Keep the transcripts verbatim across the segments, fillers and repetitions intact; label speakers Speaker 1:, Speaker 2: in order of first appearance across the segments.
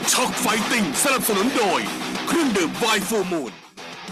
Speaker 1: ช็อกไฟติ้งสนับสนุนโดยเครื่องดื่มไวน์ฟูมูล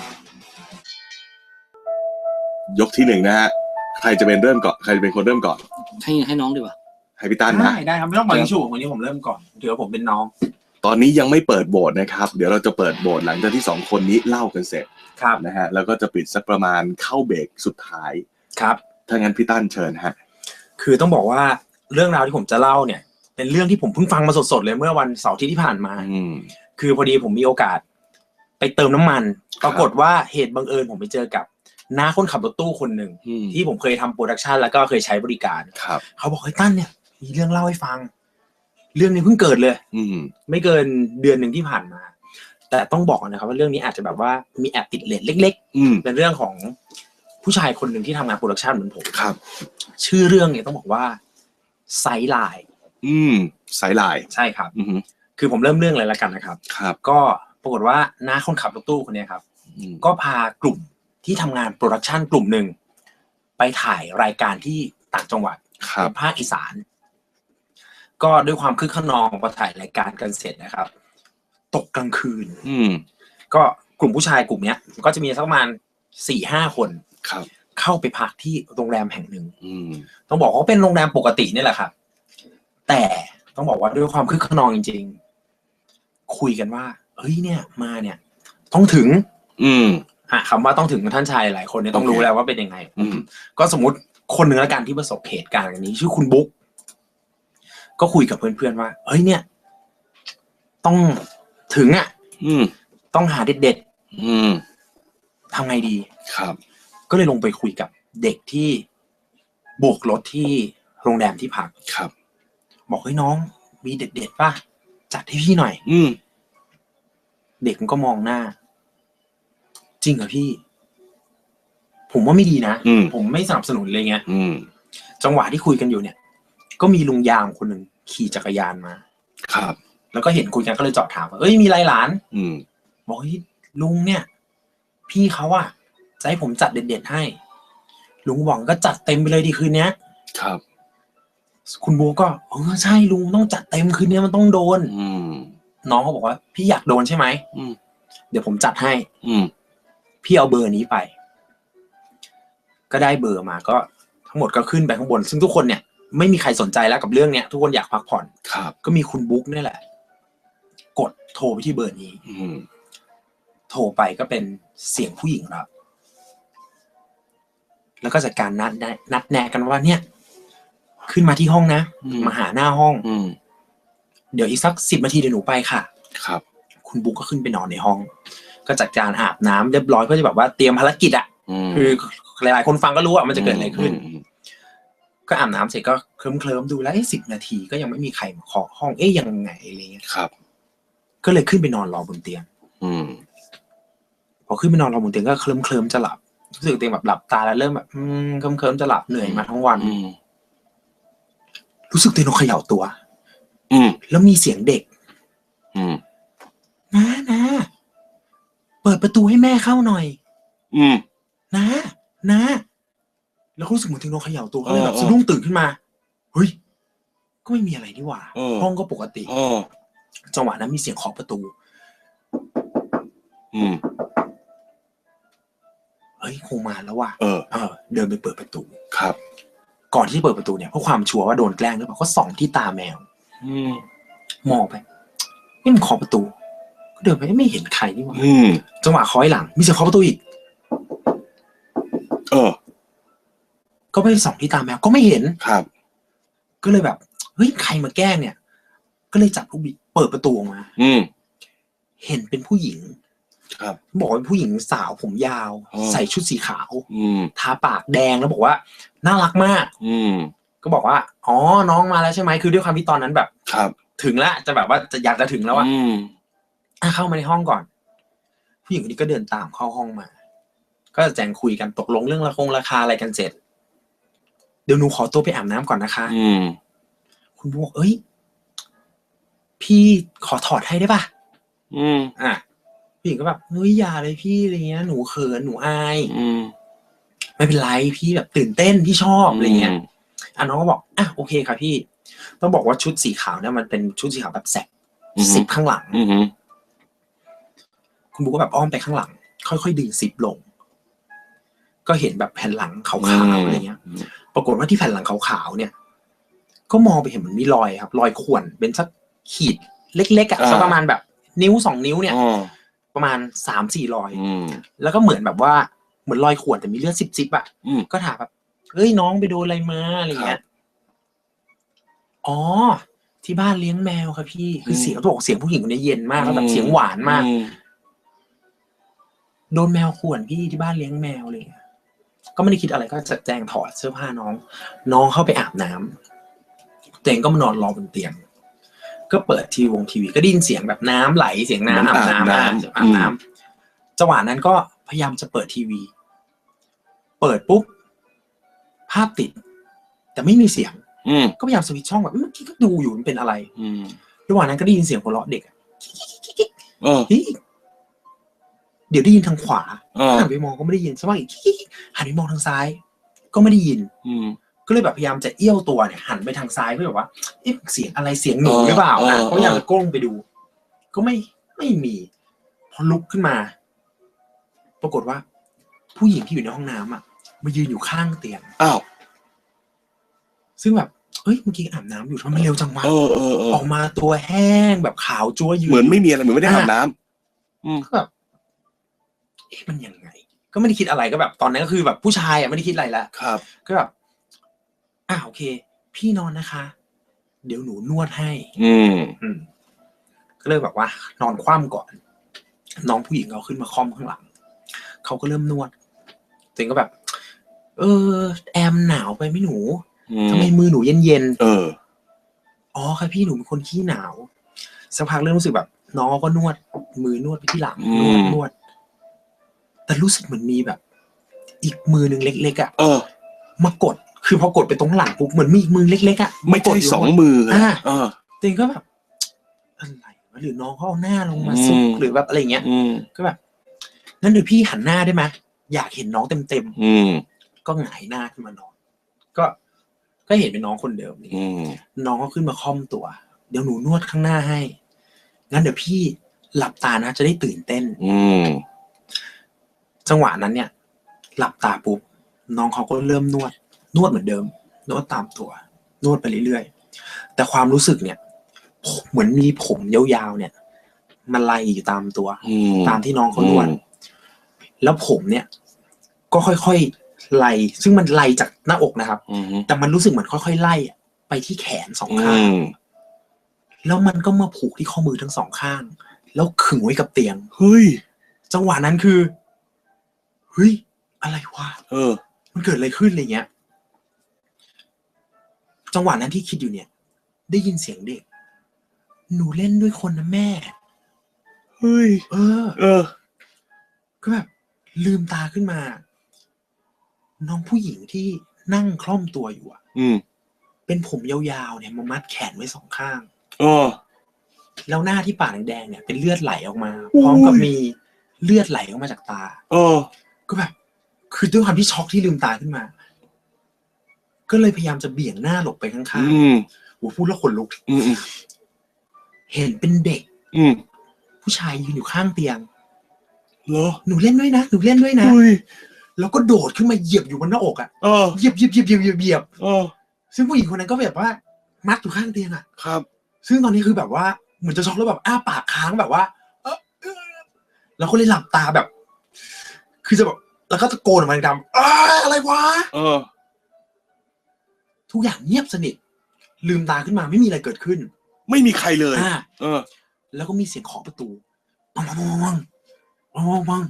Speaker 1: ยกที่หนึ่งนะฮะใครจะเป็นเริ่มก่อนใครจะเป็นคนเริ่มก่อน
Speaker 2: ให้ให้น้องดีกว่า
Speaker 1: ให้พี่ตั้นนะ
Speaker 3: ได้ได้ครับไม่ต้องปล่อยชูวันนี้ผมเริ่มก่อนเดี๋ยวผมเป็นน้อง
Speaker 1: ตอนนี้ยังไม่เปิดโบสถ์นะครับเดี๋ยวเราจะเปิดโบสถ์หลังจากที่สองคนนี้เล่ากันเสร็จ
Speaker 3: ครับ
Speaker 1: นะฮะแล้วก็จะปิดสักประมาณเข้าเบรกสุดท้าย
Speaker 3: ครับ
Speaker 1: ถ้างั้นพี่ตั้นเชิญฮะ
Speaker 3: คือต้องบอกว่าเรื่องราวที่ผมจะเล่าเนี่ยเป็นเรื่องที่ผมเพิ่งฟังมาสดๆเลยเมื่อวันเสาร์ที่ผ่านมาคือพอดีผมมีโอกาสไปเติมน้ำมันปรากฏว่าเหตุบังเอิญผมไปเจอกับน้าคนขับรถตู้คนหนึ่งที่ผมเคยทำโปรดักชันแล้วก็เคยใช้บริการเขาบอกเฮ้ยตั้นเนี่ยมีเรื่องเล่าให้ฟังเรื่องนี้เพิ่งเกิดเลยไม่เกินเดือนหนึ่งที่ผ่านมาแต่ต้องบอกนะครับว่าเรื่องนี้อาจจะแบบว่ามีแอบติดเลทเล็กๆเป็นเรื่องของผู้ชายคนหนึ่งที่ทำงานโปรดักชันเหมือนผม
Speaker 1: ครับ
Speaker 3: ชื่อเรื่องเนี่ยต้องบอกว่าไซด์ไลน์
Speaker 1: อืมไซด์ไลน์
Speaker 3: ใช่ครับคือผมเริ่มเรื่องเลยละกันนะครับ
Speaker 1: ครับ
Speaker 3: ก็ปรากฏว่าน้าคนขับรถตู้คนนี้ครับก็พากลุ่มที่ทำงานโปรดักชันกลุ่มหนึ่งไปถ่ายรายการที่ต่างจังหวัดในภาคอีสานก็ด้วยความคึกขนองพอถ่ายรายการกันเสร็จนะครับตกกลางคืนก็กลุ่มผู้ชายกลุ่มนี้ก็จะมีสักประมาณสี่ห้าคนเข้าไปพักที่โรงแรมแห่งหนึ่งต้องบอกว่าเป็นโรงแรมปกตินี่แหละครับแต่ต้องบอกว่าด้วยความคึกขนองจริงๆคุยกันว่าเฮ้ยเนี่ยมาเนี่ยต้องถึง
Speaker 1: อืม
Speaker 3: อ่ะคำว่าต้องถึงท่านชายหลายคนเนี่ยต้องรู้แล้วว่าเป็นยังไงก็สมมติคนหนึ่งละกันที่ประสบเหตุการณ์อย่างนี้ชื่อคุณบุ๊กก็คุยกับเพื่อนๆว่าเฮ้ยเนี่ยต้องถึงอ่ะต้องหาเด็ดๆทำไงดี
Speaker 1: ครับ
Speaker 3: ก็เลยลงไปคุยกับเด็กที่โบกรถที่โรงแรมที่พัก
Speaker 1: ครับ
Speaker 3: บอกให้น้องมีเด็ดๆป่ะจัดให้พี่หน่อย
Speaker 1: อืม
Speaker 3: เด็กมันก็มองหน้าจริงเหรอพี่ผมว่าไม่ดีนะผมไม่สนับสนุนเลยเงี้ยจังหวะที่คุยกันอยู่เนี่ยก็มีลุงยามคนหนึ่งขี่จักรยานมา
Speaker 1: ครับ
Speaker 3: แล้วก็เห็นคุยกันก็เลยจอดถามว่าเอ้ยมีไรหลานบอกเฮ้ยลุงเนี่ยพี่เขาอะจะให้ผมจัดเด็ดๆให้ลุงบอกก็จัดเต็มไปเลยดีคืนนี้
Speaker 1: ครับ
Speaker 3: คุณโบก็เออใช่ลุงต้องจัดเต็มคืนนี้มันต้องโดนน้องเขาบอกว่าพี่อยากโดนใช่ไหมเดี๋ยวผมจัดให้พี่เอาเบอร์นี้ไปก็ได้เบอร์มาก็ทั้งหมดก็ขึ้นไปข้างบนซึ่งทุกคนเนี่ยไม่มีใครสนใจแล้วกับเรื่องเนี้ยทุกคนอยากพักผ่อนก็มีคุณบุ๊กนี่แหละกดโทรไปที่เบอร์นี้โทรไปก็เป็นเสียงผู้หญิงรับแล้วก็จัดการนัดนัดแนะกันว่าเนี่ยขึ้นมาที่ห้องนะมาหาหน้าห้องเดี๋ยวอีกสักสิบนาทีเดี๋ยวหนูไปค่ะ
Speaker 1: ครับ
Speaker 3: คุณบุ๊กก็ขึ้นไปนอนในห้องก็จัดการอาบน้ำเรียบร้อยเพื่อจะแบบว่าเตรียมภารกิจอ่ะคือหลายๆคนฟังก็รู้ว่ามันจะเกิดอะไรขึ้นก็อาบน้ำเสร็จก็เคลิ้มเคลิ้มดูแล้วไอ้สิบนาทีก็ยังไม่มีใครมาเคาะห้องเอ๊ยยังไงอะไรเงี้ย
Speaker 1: ครับ
Speaker 3: ก็เลยขึ้นไปนอนรอบนเตียงพอขึ้นไปนอนรอบนเตียงก็เคลิ้มเคลิ้มจะหลับรู้สึกตัวเองแบบหลับตาแล้วเริ่มแบบอืมเคลิ้มเคลิ้มจะหลับเหนื่อยมาทั้งวันรู้สึกตัวเองเขย่าตัวแล้วมีเสียงเด็กนะนะเปิดประตูให้แม่เข้าหน่อยนะนะแล้วรู้สึกเหมือนถึงโดนเขย่าตัวก็เลยแบบสะดุ้งตื่นขึ้นมาเฮ้ยก็ไม่มีอะไรนี่หว่าห้องก็ปกติจังหวะนั้นมีเสียงเคาะประตูเฮ้ยคงมาแล้วว่ะ
Speaker 1: เออ
Speaker 3: เออเดินไปเปิดประตู
Speaker 1: ครับ
Speaker 3: ก่อนที่จะเปิดประตูเนี่ยเพราะความชัวร์ว่าโดนแกล้งหรือเปล่าก็ส่องที่ตาแมวมองไปนี่มันเคาะประตูก็เดินไปไม่เห็นใครนี่หว่าจังหวะเคาะหลังมีเสียงเคาะประตูอีก
Speaker 1: เออ
Speaker 3: ก็ไปส่องที่ตาแมวก็ไม่เห็น
Speaker 1: ครับ
Speaker 3: ก็เลยแบบเฮ้ยใครมาแกล้งเนี่ยก็เลยจับลูกบิดเปิดประตูออกมาเห็นเป็นผู้หญิง
Speaker 1: ครับ
Speaker 3: บอกว่าเป็นผู้หญิงสาวผมยาวใส่ชุดสีขาวทาปากแดงแล้วบอกว่าน่ารักมากก็บอกว่าอ๋อน้องมาแล้วใช่ไหมคือด้วยความที่ตอนนั้นแบบ
Speaker 1: ครับ
Speaker 3: ถึงแล้วจะแบบว่าจะอยากจะถึงแล้วอ่ะอ่ะเข้ามาในห้องก่อนผู้หญิงคนนี้ก็เดินตามเข้าห้องมาก็แจ้งคุยกันตกลงเรื่องราคงราคาอะไรกันเสร็จเดี๋ยวหนูขอตัวไปอาบน้ำก่อนนะคะคุณบอกเอ้ยพี่ขอถอดให้ได้ป่ะ
Speaker 1: อืม
Speaker 3: อ่ะผู้หญิงก็แบบเฮ้ยอย่าเลยพี่อะไรเงี้ยหนูเขินหนูอายไม่เป็นไรพี่แบบตื่นเต้นพี่ชอบอะไรเงี้ยอ่ะน้องก็บอกอ่ะโอเคค่ะพี่ต้องบอกว่าชุดสีขาวเนี่ยมันเป็นชุดสีขาวแบบแสกซิปข้างหลัง
Speaker 1: อือฮึ
Speaker 3: คุณบุ๊กก็แบบอ้อมไปข้างหลัง ค่อยๆดึงซิปลง ก็เห็นแบบแผ่นหลังขาวๆอะไรเงี้ย ปรากฏว่าที่แผ่นหลังขาวๆเนี่ย ก็มองไปเห็นเหมือนมีรอยครับ รอยข่วนเป็นสักขีดเล็กๆอ่ะสักประมาณแบบนิ้วสองนิ้วเนี่ยประมาณสามสี่รอยแล้วก็เหมือนแบบว่าเหมือนรอยข่วนแต่มีเลือดซิบๆอ่ะก็ถามแบบเฮ้ยน้องไปโดนอะไรมาอะไรเงี้ยอ๋อที่บ้านเลี้ยงแมวครับพี่คือเสียงเขาบอกเสียงผู้หญิงคนนี้เย็นมากแล้วแบบเสียงหวานมากโดนแมวข่วนพี่ที่บ้านเลี้ยงแมวเลยก็ไม่ได้คิดอะไรก็จัดแจงถอดเสื้อผ้าน้องน้องเข้าไปอาบน้ำตัวเองก็มานอนรอบนเตียงก็เปิดทีวงทีวีก็ได้ยินเสียงแบบน้ำไหลเสียงน้ำอาบน้ำอาบน้ำจังหวะนั้นก็พยายามจะเปิดทีวีเปิดปุ๊บภาพติดแต่ไม่มีเสียงก็พยายามสวิตช์ช่องแบบเมื่อกี้ก็ดูอยู่มันเป็นอะไรระหว่างนั้นก็ได้ยินเสียงหัวเราะเด็กเดี๋ยวได้ยินทางขวาหันไปมองก็ไม่ได้ยินสักพักอีกหันไปมองทางซ้ายก็ไม่ได้ยินก็เลยแบบพยายามจะเอี้ยวตัวเนี่ยหันไปทางซ้ายเพื่อแบบว่าเอ๊ะเสียงอะไรเสียงหนูหรือเปล่านะก็พยายามจะก้มไปดูก็ไม่ไม่มีพอลุกขึ้นมาปรากฏว่าผู้หญิงที่อยู่ในห้องน้ำอ่ะมายืนอยู่ข้างเตียงอ้าวซึ่งแบบเฮ้ยเมื่อกี้อาบน้ำอยู่ทำไมมันเร็วจังวะออกมาตัวแห้งแบบขาวจั๊วยืน
Speaker 1: เหมือนไม่มีอะไรเหมือนไม่ได้อาบน้ำ
Speaker 3: ก็แบบเอ๊ะมันยังไงก็ไม่ได้คิดอะไรก็แบบตอนนั้นก็คือแบบผู้ชายอ่ะไม่ได้คิดอะไรแล้ว
Speaker 1: ครับ
Speaker 3: ก็แบบอ่าโอเคพี่นอนนะคะเดี๋ยวหนูนวดให้
Speaker 1: อืม
Speaker 3: อืมก็เลยแบบว่านอนคว่ำก่อนน้องผู้หญิงเขาขึ้นมาค่อมข้างหลังเขาก็เริ่มนวดตัวเองก็แบบเออแอมหนาวไปไหมหนูทำไมมือหนูเย็นเย็น
Speaker 1: เออ
Speaker 3: อ๋อค่ะพี่หนูเป็นคนขี้หนาวสักพักเริ่มรู้สึกแบบน้องก็นวดมือนวดไปที่หลังนวดนวดแต่รู้สึกเหมือนมีแบบอีกมือหนึ่งเล็กๆอ่ะมากดคือพอกดไปตรงหลังปุ๊บเหมือนมีอีกมือเล็กๆอ่ะ
Speaker 1: ไม่ใช่สองมืออ่ะ
Speaker 3: ตัวเองก็แบบอะไรวะหรือน้องเขาเอาหน้าลงมาซุกหรือแบบอะไรเงี้ยก็แบบนั่นเดี๋ยวพี่หันหน้าได้ไหมอยากเห็นน้องเต็มๆก็หงายหน้าขึ้นมานอนก็ก็เห็นเป็นน้องคนเดิมนี่น้องก็ขึ้นมาค่อมตัวเดี๋ยวหนูนวดข้างหน้าให้งั้นเดี๋ยวพี่หลับตานะจะได้ตื่นเต้นจังหวะนั้นเนี่ยหลับตาปุ๊บน้องเขาก็เริ่มนวดนวดเหมือนเดิมนวดตามตัวนวดไปเรื่อยๆแต่ความรู้สึกเนี่ยเหมือนมีผมยาวๆเนี่ยมันไล่อยู่ตามตัวตามที่น้องเขานวดแล้วผมเนี่ยก็ค่อยๆไล่ซึ่งมันไล่จากหน้าอกนะครับแต่มันรู้สึกเหมือนค่อยๆไล่ไปที่แขนสองข้างแล้วมันก็มาผูกที่ข้อมือทั้งสองข้างแล้วขึงไว้กับเตียง
Speaker 1: เฮ้ย
Speaker 3: จังหวะนั้นคือเฮ้ยอะไรวะ
Speaker 1: เออ
Speaker 3: มันเกิดอะไรขึ้นอะไรเงี้ยจังหวะนั้นที่คิดอยู่เนี่ยได้ยินเสียงเด็กหนูเล่นด้วยคนนะแม่
Speaker 1: เฮ้ย
Speaker 3: เออ
Speaker 1: เออ
Speaker 3: ก็แบบลืมตาขึ้นมาน้องผู้หญิงที่นั่งคล่อมตัวอยู่อ่ะ
Speaker 1: อืม
Speaker 3: เป็นผมยาวๆเนี่ยมามัดแขนไว้สองข้าง
Speaker 1: อ๋อ
Speaker 3: แล้วหน้าที่ปากแดงๆเนี่ยเป็นเลือดไหลออกมาพร้อมกับมีเลือดไหลออกมาจากตา
Speaker 1: เออ
Speaker 3: ก็แบบคือด้วยความที่ช็อกที่ลืมตาขึ้นมาก็เลยพยายามจะเบี่ยงหน้าหลบไปข้างๆโหพูดแล้วขนลุกเห็นเป็นเด็กผู้ชายยืนอยู่ข้างเตียง
Speaker 1: เหรอ
Speaker 3: หนูเล่นด้วยนะหนูเล่นด้วยนะแล้วก็โดดขึ้นมาเหยียบอยู่บนหน้าอกอ่ะเหยียบเหยียบเหยียบเหยียบเหยียบเหยียบซึ่งผู้หญิงคนนั้นก็แบบว่ามัดอยู่ข้างเตียงอ่ะ
Speaker 1: ครับ
Speaker 3: ซึ่งตอนนี้คือแบบว่าเหมือนจะช็อกแล้วแบบอ้าปากค้างแบบว่าแล้วก็เลยหลับตาแบบคือจะแบบแล้วก็ตะโกนออกมาดังๆอะไรวะ
Speaker 1: เออ
Speaker 3: ทุกอย่างเงียบสนิทลืมตาขึ้นมาไม่มีอะไรเกิดขึ้น
Speaker 1: ไม่มีใครเลย
Speaker 3: เออแล้วก็มีเสียงเคาะประตูปังปังปังปังปังปัง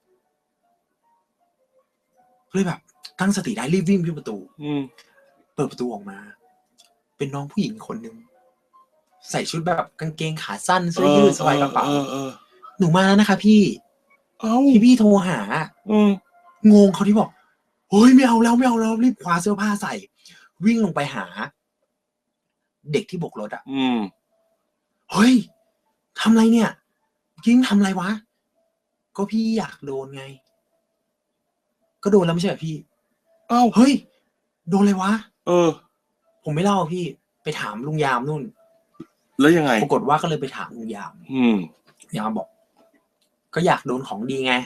Speaker 3: เลยแบบตั้งสติได้รีบวิ่งขึ้นประตูเปิดประตูออกมาเป็นน้องผู้หญิงคนนึงใส่ชุดแบบกางเกงขาสั้นเสื้อยืดสบายกระเป๋าหนูมาแล้วนะคะพี่พี่พี่โทรหางงเขาที่บอกเฮ้ยไม่เอาแล้วไม่เอาแล้วรีบคว้าเสื้อผ้าใส่วิ่งลงไปหาเด็กที่โบกรถอ่ะเฮ้ยทำไรเนี่ยกิ้งทำไรวะก็พี่อยากโดนไงก็โดนแล้วไม่ใช่เหรอพี่
Speaker 1: อ้าว
Speaker 3: เฮ้ยโดนอะไรวะ
Speaker 1: เออ
Speaker 3: ผมไม่เล่าพี่ไปถามลุงยามนู่น
Speaker 1: แล้วยังไง
Speaker 3: ปรากฏว่าก็เลยไปถามลุงยาม
Speaker 1: อืม
Speaker 3: ยามบอก ก็อยากโดนของดีไง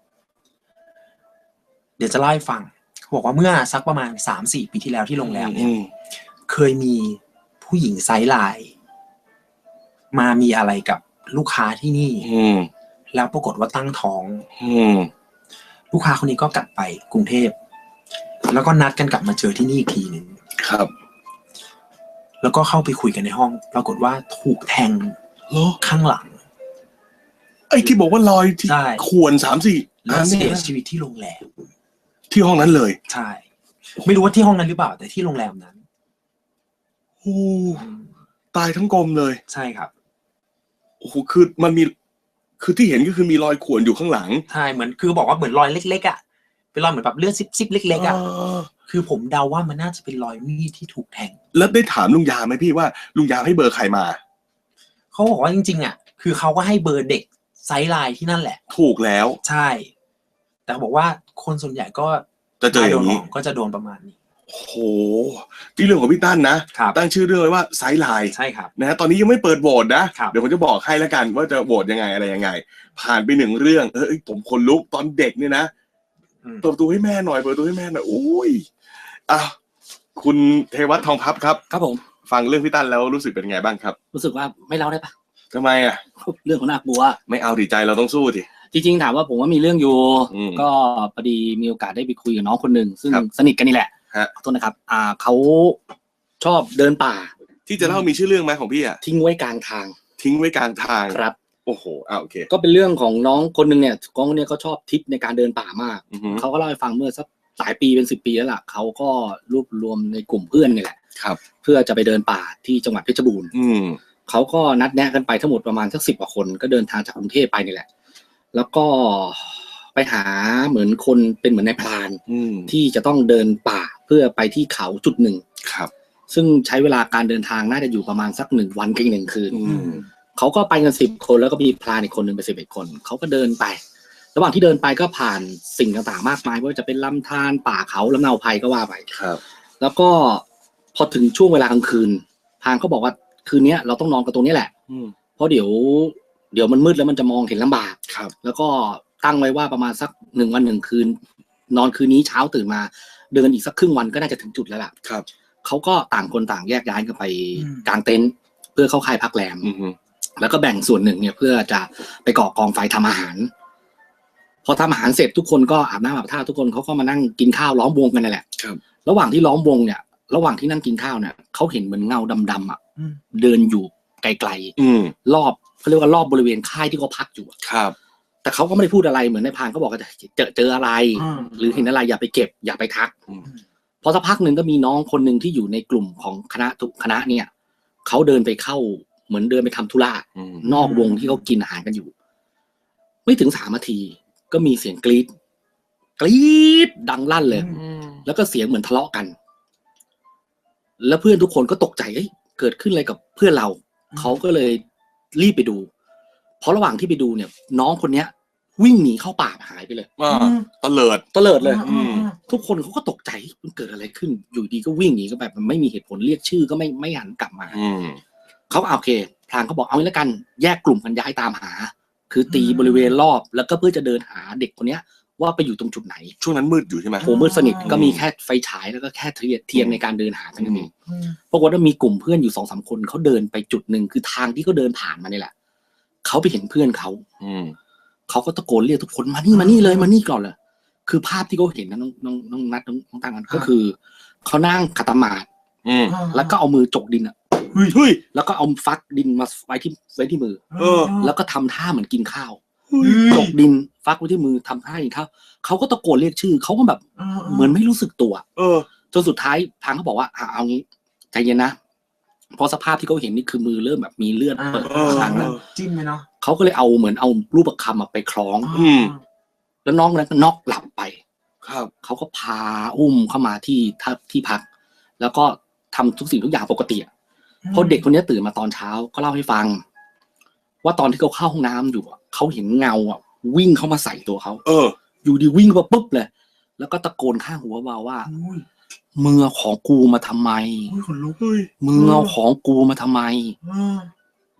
Speaker 3: เดี๋ยวจะเล่าให้ฟังบอกว่าเมื่อสักประมาณ สามสี่ ปีที่แล้วที่โรงแรมเนี่ยเคยมีผู้หญิงไซส์ไลน์มามีอะไรกับลูกค้าที่นี่แล้วปรากฏว่าตั้งท้องลูกค้าคนนี้ก็กลับไปกรุงเทพแล้วก็นัดกันกลับมาเจอที่นี่อีกทีหนึ่ง
Speaker 1: ครับ
Speaker 3: แล้วก็เข้าไปคุยกันในห้องปรากฏว่าถูกแทงข้างหลัง
Speaker 1: ไอ้ที่บอกว่ารอยที่ข่วนสามสี่
Speaker 3: แล้วเสียชีวิตที่โรงแรม
Speaker 1: ที่ห้องนั้นเลย
Speaker 3: ใช่ไม่รู้ว่าที่ห้องนั้นหรือเปล่าแต่ที่โรงแรมนั้น
Speaker 1: โอ้ตายทั้งกลมเลย
Speaker 3: ใช่ครับ
Speaker 1: โอ้โหคือมันมีคือที่เห็นก็คือมีรอยข่วนอยู่ข้างหลัง
Speaker 3: ใช่เหมือนคือบอกว่าเหมือนรอยเล็กๆอ่ะเป็นรอยเหมือนแบบเลือดซิบๆเล็กๆอ่ะคือผมเดาว่ามันน่าจะเป็นรอยมีดที่ถูกแทง
Speaker 1: แล้วได้ถามลุงยามไหมพี่ว่าลุงยามให้เบอร์ใครมา
Speaker 3: เขาบอกว่าจริงๆอ่ะคือเขาก็ให้เบอร์เด็กไซส์ไลน์ที่นั่นแหละ
Speaker 1: ถูกแล้ว
Speaker 3: ใช่แต่บอกว่าคนส่วนใหญ่ก็
Speaker 1: จะเจออย่างนี้
Speaker 3: ก็จะโดนประมาณนี้
Speaker 1: โอ้โหที่เรื่องของพี่ตั้นนะตั้งชื่อเรื่องไว้ว่าไซส์ไลน์
Speaker 3: ใช่ครับ
Speaker 1: นะฮะตอนนี้ยังไม่เปิดโหวตนะเดี๋ยวผมจะบอกให้แล้วกันว่าจะโหวตยังไงอะไรยังไงผ่านไปหนึ่งเรื่องเอ้ยผมคนลุกตอนเด็กเนี่ยนะเปิดประตูให้แม่หน่อยเปิดประตูให้แม่หน่อยโอ้ยอ่ะคุณเทวัฒน์ทองพับครับ
Speaker 2: ครับผม
Speaker 1: ฟังเรื่องพี่ตั้นแล้วรู้สึกเป็นไงบ้างครับ
Speaker 2: รู้สึกว่าไม่เล่าได้ปะ
Speaker 1: ทำไมอ่ะ
Speaker 2: เรื่องของน่ากลัว
Speaker 1: ไม่เอาดิใจเราต้องสู้ดิ
Speaker 2: จริงๆถามว่าผมว่ามีเรื่องอยู่ก็พอดีมีโอกาสได้ไปคุยกับน้องคนหนึ่งซึ่งสนิทกันนี่แหละขอโทษนะครับอ่าเขาชอบเดินป่า
Speaker 1: ที่จะเล่ามีชื่อเรื่องไหมของพี่อ่ะ
Speaker 2: ทิ้งไว้กลางทาง
Speaker 1: ทิ้งไว้กลางทาง
Speaker 2: ครับ
Speaker 1: โอ้โหอ่าโอเค
Speaker 2: ก็เป็นเรื่องของน้องคนหนึ่งเนี่ยน้องคนนี้เขาชอบทริปในการเดินป่ามากเขาก็เล่าให้ฟังเมื่อสักหลายปีเป็นสิบปีแล้วล่ะเขาก็รวบรวมในกลุ่มเพื่อนนี่แหละ
Speaker 1: ครับ
Speaker 2: เพื่อจะไปเดินป่าที่จังหวัดเพชรบูรณ์
Speaker 1: อืม
Speaker 2: เขาก็นัดแนะกันไปทั้งหมดประมาณสักสิบกว่าคนก็เดินทางจากกรุงเทพไปนี่แหละแล้วก็ไปหาเหมือนคนเป็นเหมือนนายพรานที่จะต้องเดินป่าเพื่อไปที่เขาจุดหนึ่ง
Speaker 1: ครับ
Speaker 2: ซึ่งใช้เวลาการเดินทางน่าจะอยู่ประมาณสักหนึ่งวันกับอีกหนึ่งคืนเขาก็ไปกันสิบคนแล้วก็มีพรานอีกคนหนึ่งเป็นสิบเอ็ดคนเขาก็เดินไประหว่างที่เดินไปก็ผ่านสิ่งต่างๆมากมายไม่ว่าจะเป็นลำธารป่าเขาลำเนาไพรก็ว่าไป
Speaker 1: ครับ
Speaker 2: แล้วก็พอถึงช่วงเวลากลางคืนพรานเขาบอกว่าคืนนี้เราต้องนอนกันตรงนี้แหละเพราะเดี๋ยวเดี๋ยวมันมืดแล้วมันจะมองเห็นลำบาก
Speaker 1: ครับ
Speaker 2: แล้วก็ตั้งไว้ว่าประมาณสักหนึ่งวันหนึ่งคืนนอนคืนนี้เช้าตื่นมาเดินอีกสักครึ่งวันก็น่าจะถึงจุดแล้วล่ะ
Speaker 1: ครับ
Speaker 2: เขาก็ต่างคนต่างแยกย้ายกันไปกางเต็นท์เพื่อเข้าค่ายพักแรมแล้วก็แบ่งส่วนหนึ่งเนี่ยเพื่อจะไปก่อกองไฟทำอาหารพอทำอาหารเสร็จทุกคนก็อาบน้ำอาบท่าทุกคนเขาก็มานั่งกินข้าวล้อมวงกันนั่นแหละ
Speaker 1: ครับ
Speaker 2: ระหว่างที่ล้อมวงเนี่ยระหว่างที่นั่งกินข้าวเนี่ยเขาเห็นเหมือนเงาดำๆอ่ะเดินอยู่ไกลๆรอบเขาเรียกว่ารอบบริเวณค่ายที่เขาพักอยู่
Speaker 1: ครับ
Speaker 2: แต่เขาก็ไม่ได้พูดอะไรเหมือนในพานเขาบอกว่าเจอเจออะไรหรือเห็นอะไรอย่าไปเก็บอย่าไปทักพอสักพักหนึ่งก็มีน้องคนหนึ่งที่อยู่ในกลุ่มของคณะทุกคณะเนี่ยเขาเดินไปเข้าเหมือนเดินไปทำธุระนอกวงที่เขากินอาหารกันอยู่ไม่ถึงสามนาทีก็มีเสียงกรี๊ดกรี๊ดดังลั่นเลยแล้วก็เสียงเหมือนทะเลาะกันแล้วเพื่อนทุกคนก็ตกใจเอ้ยเกิดขึ้นอะไรกับเพื่อนเราเขาก็เลยรีบไปดูเพราะระหว่างที่ไปดูเนี่ยน้องคนเนี้ยวิ่งหนีเข้าป่าหายไปเลย
Speaker 1: ตะเลิด
Speaker 2: ตะเลิดเลยทุกคนเขาก็ตกใจมันเกิดอะไรขึ้นอยู่ดีก็วิ่งหนีก็แบบมันไม่มีเหตุผลเรียกชื่อก็ไม่ไม่หันกลับมาเขาโอเคพลางเขาบอกเอางี้แล้วกันแยกกลุ่มกันย้ายตามหาคือตีบริเวณรอบแล้วก็เพื่อจะเดินหาเด็กคนเนี้ยว่าไปอยู่ตรงจุดไหน
Speaker 1: ช่วงนั้นมืดอยู่ใช่ไหม
Speaker 2: โหมืดสนิทก็มีแค่ไฟฉายแล้วก็แค่เทียนในการเดินหากันนี่ปรากฏว่ามีกลุ่มเพื่อนอยู่สองสามคนเขาเดินไปจุดหนึ่งคือทางที่เขาเดินผ่านมานี่แหละเขาไปเห็นเพื่อนเขาเขาก็ตะโกนเรียกทุกคนมานี่มานี่เลยมานี่ก่อนเลยคือภาพที่เขาเห็นนะน้องน้องน้องนัดน้องตั้งกันก็คือเขานั่งขัดสมาธิแล้วก็เอามือจกดินอ่ะ
Speaker 1: เฮ้ย
Speaker 2: แล้วก็เอาฟักดินมาไว้ที่ไว้ที่มือแล้วก็ทำท่าเหมือนกินข้าวจกดินฟักไว้ที่มือทำท่ากินข้าวเขาก็ตะโกนเรียกชื่อเขาก็แบบเหมือนไม่รู้สึกตัวจนสุดท้ายทางเขาบอกว่าเอางี้ใจเย็นนะเพราะสภาพที่เขาเห็นนี่คือมือเริ่มแบบมีเลือดเปิดทางแล้ว
Speaker 3: จิ้มไหมเนาะ
Speaker 2: เขาก็เลยเอาเหมือนเอารูปประคำไปคล้องแล้วน้องนั้นก็น็อกหลับไป
Speaker 1: ครับ
Speaker 2: เขาก็พาอุ้มเข้ามาที่ที่พักแล้วก็ทำทุกสิ่งทุกอย่างปกติพอเด็กคนนี้ตื่นมาตอนเช้าก็เล่าให้ฟังว่าตอนที่เขาเข้าห้องน้ำอยู่เขาเห็นเงาอ่ะวิ่งเข้ามาใส่ตัวเขา
Speaker 1: เออ
Speaker 2: อยู่ดีวิ่งมาปุ๊บเลยแล้วก็ตะโกนข้างหัวเบาว่ามึงเอาของกูมาทำไมมึงเอาของกูมาทำไม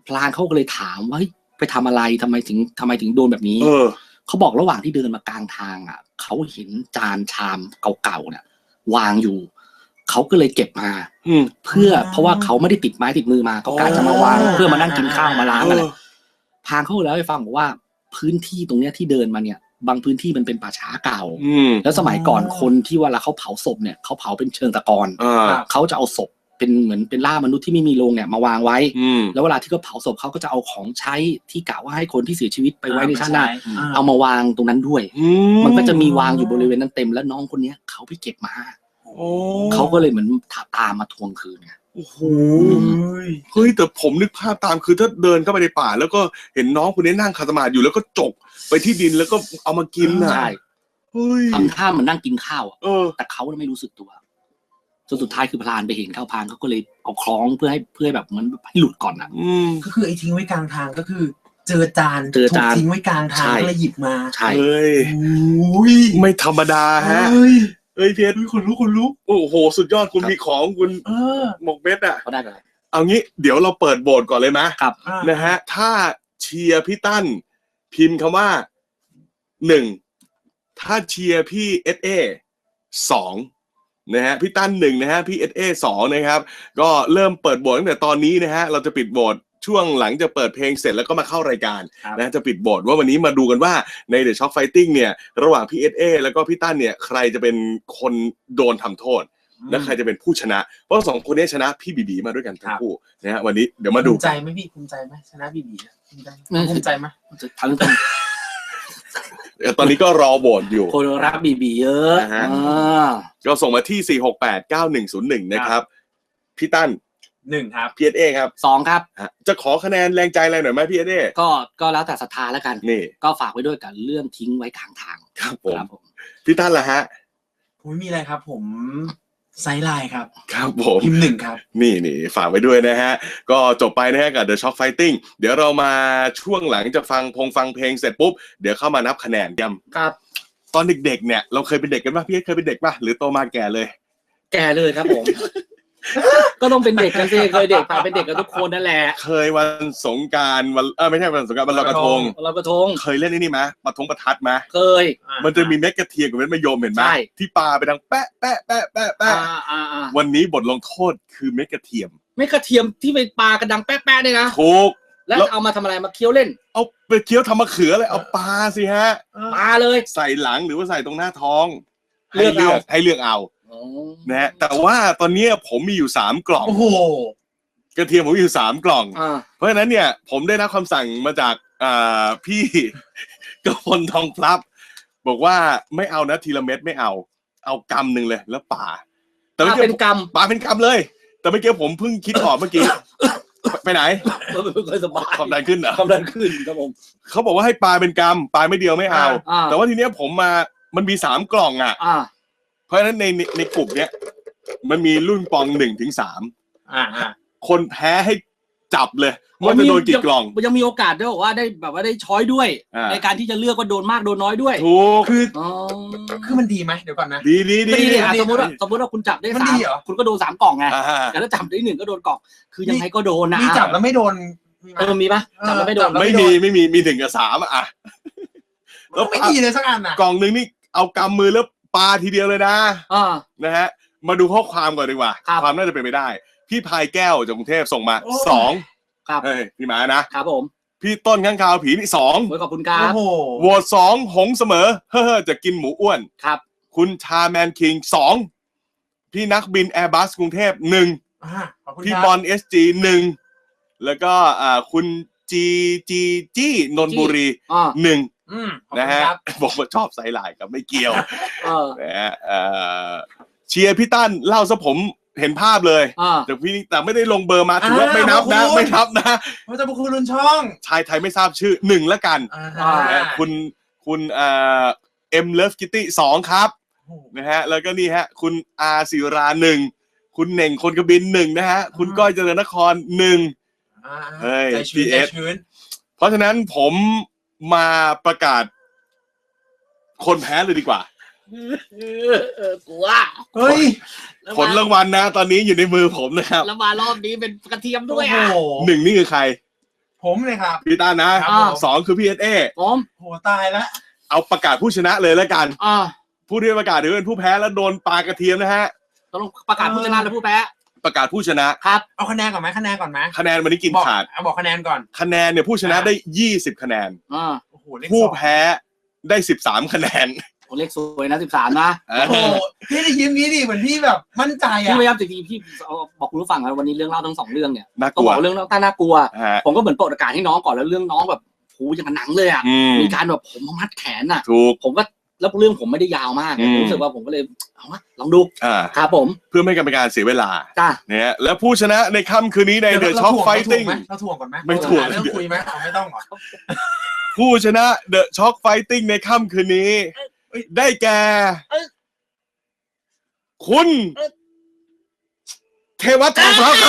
Speaker 2: พลานเขาก็เลยถามว่าไปทำอะไรทำไมถึงทำไมถึงโดนแบบนี้
Speaker 1: เออ
Speaker 2: เขาบอกระหว่างที่เดินมากลางทางอ่ะเขาเห็นจานชามเก่าๆเนี่ยวางอยู่เขาก็เลยเก็บมาเพื่อเพราะว่าเขาไม่ได้ติดไม้ติดมือมาเขากะจะมาวางเพื่อมานั่งกินข้าวมาล้างอะไรพางเขาแล้วให้ฟังบอกว่าพื้นที่ตรงเนี้ยที่เดินมาเนี่ยบางพื้นที่มันเป็นป่าช้าเก่าแล้วสมัยก่อนคนที่เวลาเขาเผาศพเนี่ยเขาเผาเป็นเชิงตะกอนเขาจะเอาศพเป็นเหมือนเป็นล่ามนุษย์ที่ไม่มีโรงเนี่ยมาวางไว้แล้วเวลาที่เขาเผาศพเขาก็จะเอาของใช้ที่กะว่าให้คนที่เสียชีวิตไปไว้ในชาติหน้าเอามาวางตรงนั้นด้วยมันก็จะมีวางอยู่บริเวณนั้นเต็มแล้วน้องคนนี้เขาไปเก็บมาเขาก็เลยเหมือนตามมาทวงคืนไง
Speaker 1: โอ้โหเฮ้ยแต่ผมนึกภาพตามคือถ้าเดินเข้าไปในป่าแล้วก็เห็นน้องคนนี้นั่งคาสมาธิอยู่แล้วก็จกไปที่ดินแล้วก็เอามากินน่ะ
Speaker 2: ใช่
Speaker 1: เฮ้ย
Speaker 2: ทำท่าเหมือนนั่งกินข้าว
Speaker 1: เออ
Speaker 2: แต่เขาไม่รู้สึกตัวจนสุดท้ายคือพลานไปเห็นเข้าพานเขาก็เลยเอาคล้องเพื่อให้เพื่อแบบเหมือนให้หลุดก่อนอ่ะ
Speaker 3: ก็คือไอ้ทิ้งไว้กลางทางก็คือเจอจาน
Speaker 2: เจอจาน
Speaker 3: ทิ้งไว้กลางทางก็เลยหยิบมา
Speaker 2: ใช่
Speaker 1: เฮ้ยไม่ธรรมดาฮะเอ้ยเพียรคนรู้คนรู้โอ้โหสุดยอดคุณมีของคุณหมกเม็ดอ่ะ
Speaker 2: เขาได้อะไร
Speaker 1: เอางี้เดี๋ยวเราเปิดโบสก่อนเลยไหม
Speaker 2: ครับ
Speaker 1: นะฮะถ้าเชียร์พี่ตั้นพิมพ์คำว่าหนึ่งถ้าเชียร์พี่เอสเอสองนะฮะพี่ตั้นหนึ่งนะฮะพี่เอสเอสองนะครับก็เริ่มเปิดโบสตั้งแต่ตอนนี้นะฮะเราจะปิดโบสช่วงหลังจะเปิดเพลงเสร็จแล้วก็มาเข้ารายการนะจะปิดโบสว่าวันนี้มาดูกันว่าใน The Shock Fighting เนี่ยระหว่างพี่เอสเอแล้วก็พี่ตั้นเนี่ยใครจะเป็นคนโดนทำโทษและใครจะเป็นผู้ชนะเพราะสองคนนี้ชนะพี่บีบีมาด้วยกันทั้งคู่นะฮะวันนี้เดี๋ยวมาดู
Speaker 3: ภูมิใจไหมพี่ภูมิใจไหมชนะบีบีภูมิใจภูมิใจไหม
Speaker 2: ทั้งทั้ง
Speaker 1: ตอนนี้ก็รอโหวตอยู่
Speaker 2: คนรักบีบีเยอะ
Speaker 1: ก็ส่งมาที่สี่ หก แปด เก้า หนึ่ง ศูนย์ หนึ่งนะครับพี่ตั้น
Speaker 3: หนึ่งครับ
Speaker 1: พี่เอสเอครับ
Speaker 2: สองครับ
Speaker 1: จะขอคะแนนแรงใจอะไรหน่อยไหมพี่เอสเอ
Speaker 2: ก็ก็แล้วแต่ศรัทธาแล้วกัน
Speaker 1: นี่
Speaker 2: ก็ฝากไว้ด้วยกับเรื่องทิ้งไว้ข้างทาง
Speaker 1: ครับผมพี่ตั้นล่ะฮะ
Speaker 3: ผมไม่มีอะไรครับผมไซไลน์ครับ
Speaker 1: ครับผม
Speaker 3: พิมพ์หนึ่งครับ
Speaker 1: นี่นี่ฝากไว้ด้วยนะฮะก็จบไปนะฮะกับ The Shock Fighting เดี๋ยวเรามาช่วงหลังจะฟังพงฟังเพลงเสร็จปุ๊บเดี๋ยวเข้ามานับคะแนนกัน
Speaker 2: ครับ
Speaker 1: ตอนเด็กๆเนี่ยเราเคยเป็นเด็กกันป่ะพี่เคยเป็นเด็กป่ะหรือโตมาแก่เลย
Speaker 2: แก่เลยครับผมก็ต้องเป็นเด็กกันสิเคยเด็กป่ะเป็นเด็กกันทุกคนนั่นแหละ
Speaker 1: เคยวันสงกรานต์วันเออไม่ใช่วันสงกรานต์วันลอยกระทง
Speaker 2: ลอยกระทง
Speaker 1: เคยเล่นนี่มั้ยประทงประทัดมั้ย
Speaker 2: เคย
Speaker 1: มันจะมีเม็ดกระเทียมกับเม็ดมะยมเห็นมั้ยที่ปาไปดังแปะแปะแปะแปะแปะวันนี้บทลงโทษคือเม็ดกระเทียม
Speaker 2: เม็ดกระเทียมที่ไปปากระดังแปะแปะเนี่ยนะ
Speaker 1: ถูก
Speaker 2: แล้วเอามาทำอะไรมาเคี้ยวเล่น
Speaker 1: เอาไปเคี้ยวทำมะเขือเลยเอาปลาสิฮะ
Speaker 2: ปลาเลย
Speaker 1: ใส่หลังหรือว่าใส่ตรงหน้าท้องให้เลือกให้เลือกเอานะฮะแต่ว่าตอนนี้ผมมีอยู่สามกล่อง
Speaker 2: โอ้โห
Speaker 1: กระเทียมผมมีอยู่สามกล่องเพราะฉะนั้นเนี่ยผมได้รับคำสั่งมาจากอ่าพี่กพลทองพลับบอกว่าไม่เอานะทีละเม็ดไม่เอาเอากำหนึ่งเลยแล้วป่า
Speaker 2: แต่ไม่เป็นกำ
Speaker 1: ป่าเป็นกำเลยแต่เมื่อกี้ผมเพิ่งคิดออกเมื่อกี้ไปไหน
Speaker 2: ไม่ค่อยสบาย
Speaker 1: ความดันขึ้นเหรอ
Speaker 2: ความดันขึ้นครับผม
Speaker 1: เขาบอกว่าให้ปลาเป็นกำปลาไม่เดียวไม่เอาแต่ว่าทีเนี้ยผมมามันมีสามกล่องอ่ะเพราะฉะนั้นในในกลุ่มเนี้ยมันมีรุ่นปองหนึ่งถึงสามคนแพ้ให้จับเลยว่าจะโดนกี่กล่อง
Speaker 2: ยังมีโอกาสด้วยว่าได้แบบว่าได้ช้อยด้วยในการที่จะเลือกว่าโดนมากโดนน้อยด้วย
Speaker 1: ถูก
Speaker 3: คือคือมันดีไหมเดี๋ยวก่อนนะ
Speaker 1: ดีดีดี
Speaker 2: สมมติว่าสมมติว่าคุณจับได้สามคุณก็โดนสามกล่องไงแต่ถ้าจับได้หนึ่งก็โดนกล่องคือยังไงก็โดนนะ
Speaker 3: มีจับแล้วไม่โดน
Speaker 2: เออมีปะจับแล้วไม่โดน
Speaker 1: ไม่มีไม่มีมีหนึ่งกับสามอ่ะ
Speaker 3: แล้วไม่ดีเลยสักอันอ่ะ
Speaker 1: กล่องหนึ่งนี่เอากำมือแล้วปาทีเดียวเลยนะนะฮะมาดูข้อความก่อนดีกว่าความน่าจะเป็นไปได้พี่พายแก้วจากกรุงเทพส่งมาสอง
Speaker 2: ครับ
Speaker 1: เฮ้ยพี่หมานะครับ
Speaker 2: ผม
Speaker 1: พี่ต้นข้างคาวผีนี่สอง
Speaker 2: ขอบคุณครับ
Speaker 1: โหวตสองหงเสมอเฮ้อจะกินหมูอ้วน
Speaker 2: ครับ
Speaker 1: คุณชาแมนคิงสองพี่นักบินแอร์บัสกรุงเทพหนึ่งพี่บอลเอสจีหนึ่งแล้วก็อ่าคุณจีจีจี้นนบุรีหนึ่งนะฮะบอกว่าชอบไซไลน์กับไม่เกี่ยวนะฮะเชียร์พี่ตั้นเล่าซะผมเห็นภาพเลยแต่พี่แต่ไม่ได้ลงเบอร์มาถือว่าไม่นับนะไม่นับนะ
Speaker 3: เพราะจะบุคคลรุ่นช่อง
Speaker 1: ชายไทยไม่ทราบชื่อหนึ่งละกันคุณคุณเอ่อเอ็มเลิฟคิตตี้สองครับนะฮะแล้วก็นี่ฮะคุณอาศิราหนึ่งคุณเหน่งคนกระบินหนึ่งนะฮะคุณก้อยเจริญนครหนึ่งเฮ้ยพีเอสเพราะฉะนั้นผมมาประกาศคนแพ้เลยดีกว่า
Speaker 2: กลัว
Speaker 3: เฮ้ย
Speaker 1: ผลรางวัลนะตอนนี้อยู่ในมือผมนะครับ
Speaker 2: แล้วมารอบนี้เป็นกระเทียมด้วยอ่ะ
Speaker 1: หนึ่งนี่คือใคร
Speaker 3: ผมเลยครับ
Speaker 1: พี่ต้านนะสองคือพี่เอสเอ
Speaker 2: ผม
Speaker 3: โหตายแล้ว
Speaker 1: เอาประกาศผู้ชนะเลยแล้วกัน
Speaker 2: อ่า
Speaker 1: ผู้ที่ประกาศถือเป็นผู้แพ้แล้วโดนปลากระเทียมนะฮะ
Speaker 2: ต้องประกาศผู้ชนะและผู้แพ้
Speaker 1: ประกาศผู้ชนะครับ
Speaker 3: เอาคะแนนก่อนไหมคะแนนก่อนไหม
Speaker 1: คะแนนวันนี้กิน
Speaker 3: บอก
Speaker 1: ขาด
Speaker 3: เอาบอกคะแนนก่อน
Speaker 1: คะแนนเนี่ยผู้ชนะได้ยี่สิบคะแนน
Speaker 2: อ่า
Speaker 3: โอ้โหเลข
Speaker 1: ผู้
Speaker 3: สอง
Speaker 1: แพ้ได้สิบสามคะแนน
Speaker 2: โอ้เลขสวยนะสิบสามนะ
Speaker 1: เออ
Speaker 3: โอ้โหพี่ได้ยิ้มงี้ดิเหมือนพี่แบบมั่นใจ
Speaker 2: พี่
Speaker 3: อ่ะ
Speaker 2: พยายามจริงๆพี่เอาบอกคุณผู้ฟังนะวันนี้เรื่องเล่าทั้งสองเรื่องเนี่ย
Speaker 1: น่าก
Speaker 2: ต้อง
Speaker 1: ลั
Speaker 2: บ
Speaker 1: ว
Speaker 2: อกเรื่องเล่าต้าน่ากลัว
Speaker 1: ฮะ
Speaker 2: ผมก็เหมือนเปิดโอกาสให้น้องก่อนแล้วเรื่องน้องแบบโหอย่างกับหนังเลยอ่ะ
Speaker 1: อืม
Speaker 2: มีการแบบผมมัดแขนอ่ะ
Speaker 1: ถูก
Speaker 2: ผมก็แล้วเรื่องผมไม่ได้ยาวมาก
Speaker 1: อืม
Speaker 2: รู้สึกว่าผมก็เลยเอาวะลองดู
Speaker 1: อ่า
Speaker 2: ครับผม
Speaker 1: เพื่อไม่ให้การเป็นการเสียเวลา
Speaker 2: จ้า
Speaker 1: เนี่ยและผู้ชนะในค่ำคืนนี้ในเดอะช็อคไฟติ้ง
Speaker 3: เราถ่วงก่อนไหม
Speaker 1: ไม่ถ่วง
Speaker 3: เรื่องคุยไหมเอาไม่ต้องหรอ
Speaker 1: ผู้ชนะเดอะช็อคไฟติ้งในค่ำคืนนี้ ได้แก่คุณเทวัตทองพร้าวครับ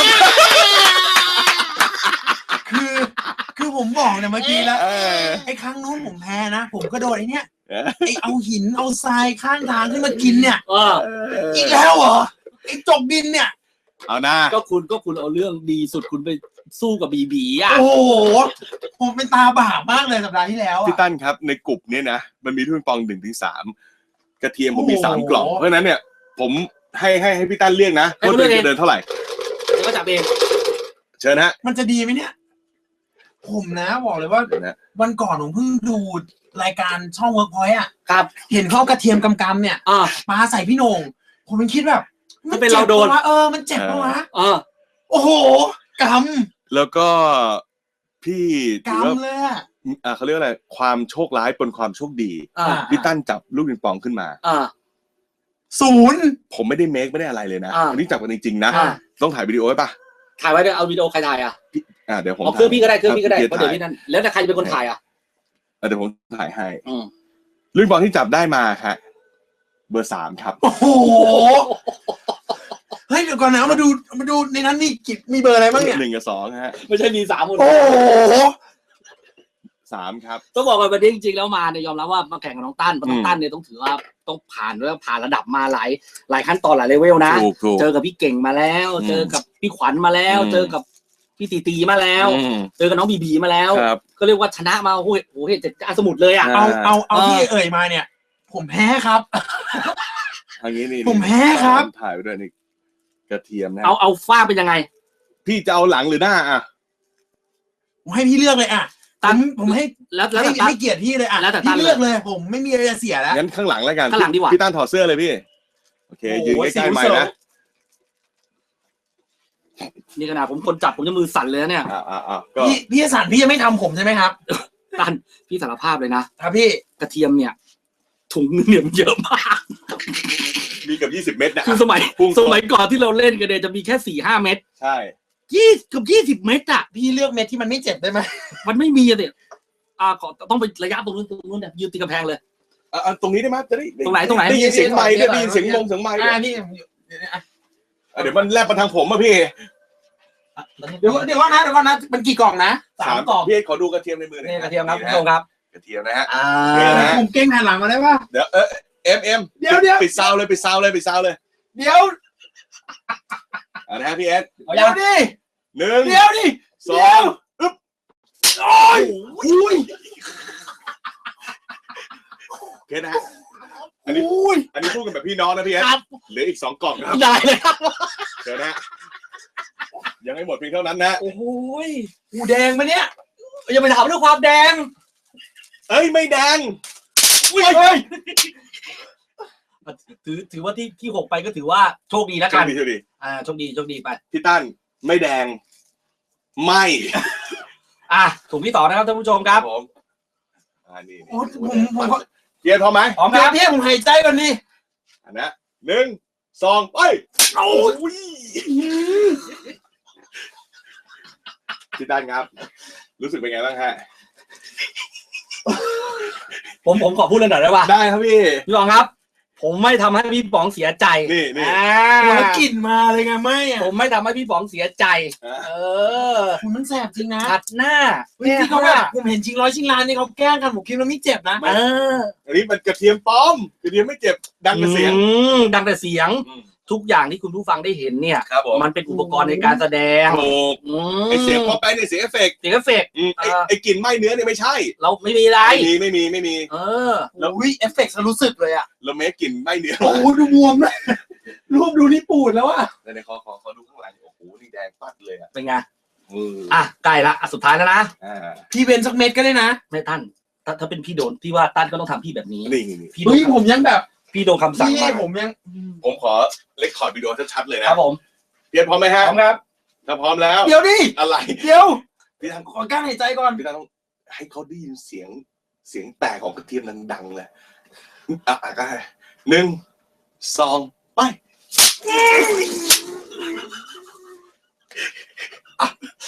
Speaker 3: คือคือผมบอกเนี่ยเมื่อกี้แล้ว
Speaker 1: เออ
Speaker 3: ไอ้ครั้งนู้นผมแพ้นะผมก็โดนไอ้เนี้ย
Speaker 1: เออ
Speaker 3: ไอ้เอาหินเอาทรายข้างทางขึ้นมากินเนี่ย
Speaker 2: เออ
Speaker 3: อีกแล้วเหรอไอ้จกดินเนี่ย
Speaker 1: เอาหน้า
Speaker 2: ก็คุณก็คุณเอาเรื่องดีสุดคุณไปสู้กับบีบีอ่ะ
Speaker 3: โอ้โหผมเป็นตาบาปมากเลยสัปดาห์ที่แล้ว
Speaker 1: พี่
Speaker 3: อะ
Speaker 1: ตั้นครับในกลุ่มเนี้ยนะมันมีทุนปองหนึ่งถึงสามกระเทียมผมมี
Speaker 3: โอ้โห
Speaker 1: สามกล่องเพราะฉะนั้นเนี่ย ผมให้ให้ให้พี่ตั้นเรียกนะว่าตัวเองจะเดินเท่าไหร่
Speaker 2: เดี๋ยวก็จับเอง
Speaker 1: เชิญฮะ
Speaker 3: มันจะดีไหมเนี่ย ผมนะบอกเลยว่า
Speaker 1: เดี๋ยวนะ
Speaker 3: วันก่อนผมเพิ่งดูรายการช่องเวิร์กพอยต์อ่ะ
Speaker 2: ครับ
Speaker 3: เห็นเขาเอากระเทียมกำกำเนี่ย
Speaker 2: อ่า
Speaker 3: ปาใส่พี่โหน่งผมมันคิดแบบ
Speaker 2: มันเป็นเราโดน
Speaker 3: จ็บปะวะเออมันเจ็บปะวะ
Speaker 2: เออ
Speaker 3: โอ้โหก
Speaker 1: แล้วก็พี่
Speaker 3: ำ
Speaker 1: ถือว่าก
Speaker 3: ำเลยอะ
Speaker 1: อ่าเขาเรียกว่าอะไรความโชคร้ายปนความโชคดี
Speaker 2: อ่า
Speaker 1: พี่ตั้นจับลูกปิงปองขึ้นมา
Speaker 2: อ่า
Speaker 3: ศูนย์
Speaker 1: ผมไม่ได้เมคไม่ได้อะไรเลยนะ
Speaker 2: อ่า
Speaker 1: วันนี้จับกันจริงๆนะ
Speaker 2: อ่า
Speaker 1: ต้องถ่ายวิดีโอไว้ปะ
Speaker 2: ถ่ายไว้เดี๋ยวเอาวิดีโอใครถ่ายอ่ะ
Speaker 1: อ่าเดี๋ยวผม
Speaker 2: เอาเครื่องพี่ก็ได้เครื่องพี่ก็ได้
Speaker 1: ดี๋ยว
Speaker 2: เพราะเดี๋ยว
Speaker 1: ถ่าย
Speaker 2: พี่นั่นแล้วแต่ใครจะเป็นคนถ่ายอ่ะ
Speaker 1: อ่ะเดี๋ยวผมถ่ายให้
Speaker 2: อืม
Speaker 1: ลูกปิงปองที่จับได้มาครับเบอร์สามครับ
Speaker 3: โอ้โหเฮ้ยเดี๋ยวก่อนนะมาดูมาดูในนั้นมีกี่มีเบอร์อะไรบ้างเนี่ย
Speaker 1: หนึ่งกับสองฮะ
Speaker 2: ไม่ใช่มีสามคน
Speaker 3: โอ้โห
Speaker 1: สามครับ
Speaker 2: ต้องบอกว่าวันนี้จริงๆแล้วมาเนี่ยยอมรับว่ามาแข่งกับน้องตั้นเพราะน้อ
Speaker 1: อื
Speaker 2: ง
Speaker 1: ม
Speaker 2: ตั้นเนี่ยต้องถือว่าต้องผ่านแล้วผ่านระดับมาหลายหลายขั้นตอนหลายเลเวลนะ
Speaker 1: ถูกถูก
Speaker 2: เจอกับพี่เก่งมาแล้ว
Speaker 1: อืม
Speaker 2: เจอกับพี่ขวัญมาแล้ว
Speaker 1: อืม
Speaker 2: เจอกับพี่ตีตีมาแล้ว
Speaker 1: อืม
Speaker 2: เจอกับน้องบีบีมาแล้ว
Speaker 1: ครับ
Speaker 2: ก็เรียกว่าชนะมาโอ้โหโอ้โหเห็นจะอาสมุดเลยอ่ะ
Speaker 1: อ่า
Speaker 3: เอาเอาเอา
Speaker 2: เออ
Speaker 3: ที่เอ่ยมาเนี่ย ผมแพ้ครับ
Speaker 1: ทางนี้นี่
Speaker 3: ผมแพ้ครับ
Speaker 1: ถ่ายไปด้วยนี่กระเทียมนะ
Speaker 2: เอาเอาฝ้าเป็นยังไง
Speaker 1: พี่จะเอาหลังหรือหน้าอ่ะ
Speaker 3: ผมให้พี่เลือกเลยอ่ะ
Speaker 2: ตั้
Speaker 3: ผ
Speaker 2: น
Speaker 3: มผมให้
Speaker 2: แล้วแล้ว
Speaker 3: ให้
Speaker 2: แต่ตั้น
Speaker 3: ให้เกียรติพี่เลยอ่ะ
Speaker 2: แล้วแต่ตั้น
Speaker 3: พี่เลือกเลย ผมไม่มีอะไรจะเสียแล้ว
Speaker 1: งั้นข้างหลังแล้วกัน
Speaker 2: ข้างหลังดีกว่า
Speaker 1: พี่ตั้นถอดเสื้อเลยพี่โอเคยืนใกล้ๆไม้นะ
Speaker 2: นี่ขนาดผมคนจับผมจะมือสั่นเลยนะเนี่ย
Speaker 1: อ่าอ่าอ่าก็
Speaker 3: พี่พี่สันพี่จะไม่ทำผมใช่ไหมครับ
Speaker 2: ตั้นพี่สารภาพเลยนะครับ
Speaker 3: พี่
Speaker 2: กระเทียมเนี่ยถุงนึงเนี่ยมันเยอะมาก
Speaker 1: มีเกับยี่สิบเม็ดนะ
Speaker 2: คือสมัย
Speaker 1: พุ่ง
Speaker 2: สมัยก่อนที่เราเล่นกันเนี่ยจะมีแค่สี่ห้าเม็ด
Speaker 1: ใช่
Speaker 2: ยี่เกือบยี่สิบเม็ดอ่ะ
Speaker 3: พี่เลือกเม็ดที่มันไม่เจ็บได้ไหม
Speaker 2: มันไม่มีอะเนี่ยอ่าขอต้องไประยะตรงนู้นตรงนู้นเนี่ยยืนตีกำแพงเลย
Speaker 1: อ่ะอ่ะตรงนี้ได้ไหมจะได้
Speaker 2: ตรงไหนตรงไหน
Speaker 1: ได้ยินเสียงไม้ได้ยินเสียงมงเสียงไม้ด้วย
Speaker 3: อ่านี่
Speaker 1: อ่ะเดี๋ยวมันแลบมาทางผมอ่ะพี่
Speaker 3: เดี๋ยวเดี๋ยวก่อนนะเดี๋ยวก่อนนะมันกี่กล่องนะ
Speaker 2: สามกล่อง
Speaker 1: พี่ขอดูกระเทียมในมือหน่อย
Speaker 2: นี่กระเทียมครับคุณ
Speaker 1: นะ
Speaker 2: ผู้ชมครับ
Speaker 1: กระเทียมนะฮะ
Speaker 2: อ่า
Speaker 1: นี่นะ
Speaker 3: ผมเก่งหันหลังมาได้ปะ
Speaker 1: เดี๋ยวเออเอ็มเอ็ม
Speaker 3: เดี๋ยวเดี๋ยว
Speaker 1: ปิดซาวเลยปิดซาวเลยปิดซาวเลย
Speaker 3: เดี๋ยว
Speaker 1: อ่ะนะฮะพี่เอส
Speaker 2: เอา
Speaker 3: เดี๋
Speaker 2: ยั
Speaker 3: ยว
Speaker 2: ง
Speaker 3: ดิ
Speaker 1: หนึ่ง
Speaker 3: เดี๋ยวดิ
Speaker 1: สองอึ๊บ
Speaker 3: โอ้ยอุ้ย
Speaker 1: โอเคนะฮะอันนี้
Speaker 3: อุ้ย
Speaker 1: อันนี้พูดกันแบบพี่น้องนะพี่เอส
Speaker 2: ครับ
Speaker 1: เหลืออีกสองกล่องครับ
Speaker 2: ได้เลยครับ
Speaker 1: เดี๋ยวนะฮะยังไม่หมดเพียงเท่านั้นนะ
Speaker 2: โอ้โหย
Speaker 3: หูแดงมาเนี่ย
Speaker 2: อย่าไปถามเรื่องความแดง
Speaker 1: เอ้ยไม่แดง
Speaker 3: อุ้ยเฮ้ย
Speaker 2: ถือถือว่าที่ที่หกไปก็ถือว่าโชคดีแล้ว
Speaker 1: โช
Speaker 2: กั
Speaker 1: คน ดีโชคดี
Speaker 2: อ่าโชคดีโชคดีไป
Speaker 1: พี่ตั้นไม่แดง ไม่
Speaker 2: อ่ะถุงที่ต่อนะครับท่านผู้ชมครับ
Speaker 1: ผมอ่านี่
Speaker 3: โอ้ยผมผมขอ
Speaker 1: เกียร์พร้อมไหม
Speaker 2: พร้อมค
Speaker 3: เดี๋ย
Speaker 2: รั
Speaker 3: ว
Speaker 2: บ
Speaker 3: พี่ผมหายใจก่อนนี่
Speaker 1: อันนะหนึ่งสองไปโอ้ยพี่ตั้นครับ รู้สึกเป็นไงบ้างฮะ
Speaker 2: ผมผมขอพูดเลยหน่อยได้ป่ะ
Speaker 1: ได้ครับพี่
Speaker 2: พี่บองครับ ผมไม่ทำให้พี่ป๋องเสียใจ
Speaker 1: นี่นี่
Speaker 2: อ่า
Speaker 3: แล้วกลิ่นมาเลยไงไม่อะ
Speaker 2: ผมไม่ทำให้พี่ป๋องเสียใจ
Speaker 1: อ่า
Speaker 2: เออ
Speaker 3: คุณมันแสบจริงนะ
Speaker 2: ขัดหน้า
Speaker 3: ที่เขาแบบผมเห็นชิงร้อยชิงล้านนี่เขาแกล้งกันผมคิดว่าไม่เจ็บนะ
Speaker 2: เออ
Speaker 1: อันนี้มันกระเทียมปลอมกระเทียมไม่เจ็บดังแต่เสียง
Speaker 2: อืมดังแต่เสียง
Speaker 1: อืม
Speaker 2: ทุกอย่างที่คุณผู้ฟังได้เห็นเนี่ย
Speaker 1: ครับผม
Speaker 2: มันเป็นอุปกรณ์ในการแสดง
Speaker 1: ถูก
Speaker 2: อืม
Speaker 1: ไอเสียงพอไปในเสียงเอฟเฟกต์
Speaker 2: เสียงเอฟเฟกต์
Speaker 1: อืมไอไอกลิ่นไหม้เนื้อเนี่ยไม่ใช่
Speaker 2: เราไม่มีอะไร
Speaker 1: ไม่มีไม่มีไม่มี
Speaker 2: เออ
Speaker 3: แล้ววิเอฟเฟกต์รู้สึกเลยอ่ะ
Speaker 1: เราเมคกลิ่นไหม้เนื้อ
Speaker 3: โอ้โหดูบวมเลยรูปดูนี่ปูดแล้วอ่ะ
Speaker 1: ในในคอคอคอดูข้างหลังโอ้โหนี่แดงปัดเลยอ่ะ
Speaker 2: เป็นไง
Speaker 1: อืม
Speaker 2: อ่ะใกล้ละอ่ะสุดท้ายแล้วนะ
Speaker 1: อ่า
Speaker 3: พี่เว้นสักเม็ดก็ได้นะ
Speaker 2: ไม่ตั้นถ้าถ้าเป็นพี่โดนพี่ว่าตั้นก็ต้องทำพี่แบบนี้
Speaker 1: นี่นี่นี่
Speaker 2: พี่โด
Speaker 3: เฮ้
Speaker 2: น
Speaker 3: ยผมยังแบบ
Speaker 2: พี่โดนคำสั่ง
Speaker 3: พี่
Speaker 2: มา
Speaker 3: ผมยัง
Speaker 1: ผมขอเลคคอร์ดวิดีโอชัดๆเลยนะครับ
Speaker 2: ผม
Speaker 1: เพียรพร้อมไหม
Speaker 3: พ
Speaker 1: ฮะ
Speaker 3: ร้อมครับ
Speaker 1: ถ้าพร้อมแล้ว
Speaker 3: เดี๋ยวดิ
Speaker 1: อะไร
Speaker 3: เดี๋ยว
Speaker 1: พี่ทัน
Speaker 3: ขอกั้นหายใจก่อน
Speaker 1: พี่ทันต้องให้เขาได้ยินเสียงเสียงแตกของกระเทียมดังๆเลยอ่ะอ่ะก็ได้หนึ่งสองไปอ่ะ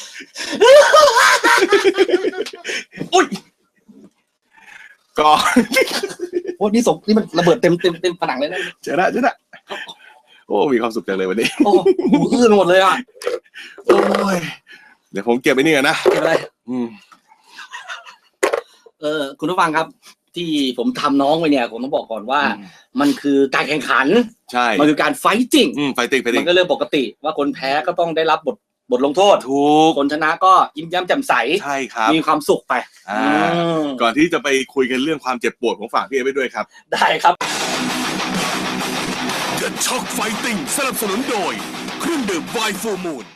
Speaker 1: อุ้ยก่อน
Speaker 2: โอ้นี่สมนี่มันระเบิดเต็มเต็มเต็มผนังเลยนะ
Speaker 1: เจอละเจอละโอ้มีความสุขจังเลยวันนี้
Speaker 2: โอ้หูอื้อหมดเลยอ่ะ
Speaker 1: โอ้ยเดี๋ยวผมเก็บไว้นี่ก่อนนะ
Speaker 2: เก็บอะไร
Speaker 1: อืม
Speaker 2: เออคุณผู้ฟังครับ ที่ผมทำน้องไปเนี่ยผมต้องบอกก่อนว่า มันคือการแข่งขัน
Speaker 1: ใช่
Speaker 2: มันคือการไฟติ้ง
Speaker 1: อืมไฟติ้งไฟติ้
Speaker 2: มั
Speaker 1: ง
Speaker 2: นก็เรื่องปกติว่าคนแพ้ก็ต้องได้รับบทบทลงโทษ
Speaker 1: ถูก
Speaker 2: คนชนะก็ยิ้มแย้มแจ่มใส
Speaker 1: ใช่ครับ
Speaker 2: มีความสุขไป
Speaker 1: อ่า
Speaker 2: อืม
Speaker 1: ก่อนที่จะไปคุยกันเรื่องความเจ็บปวดของฝากพี่เอไว้ด้วยครับ
Speaker 2: ได้ครับ
Speaker 4: The Talk Fighting สนับสนุนโดยเครื่องดื่มไวน์ฟูมูล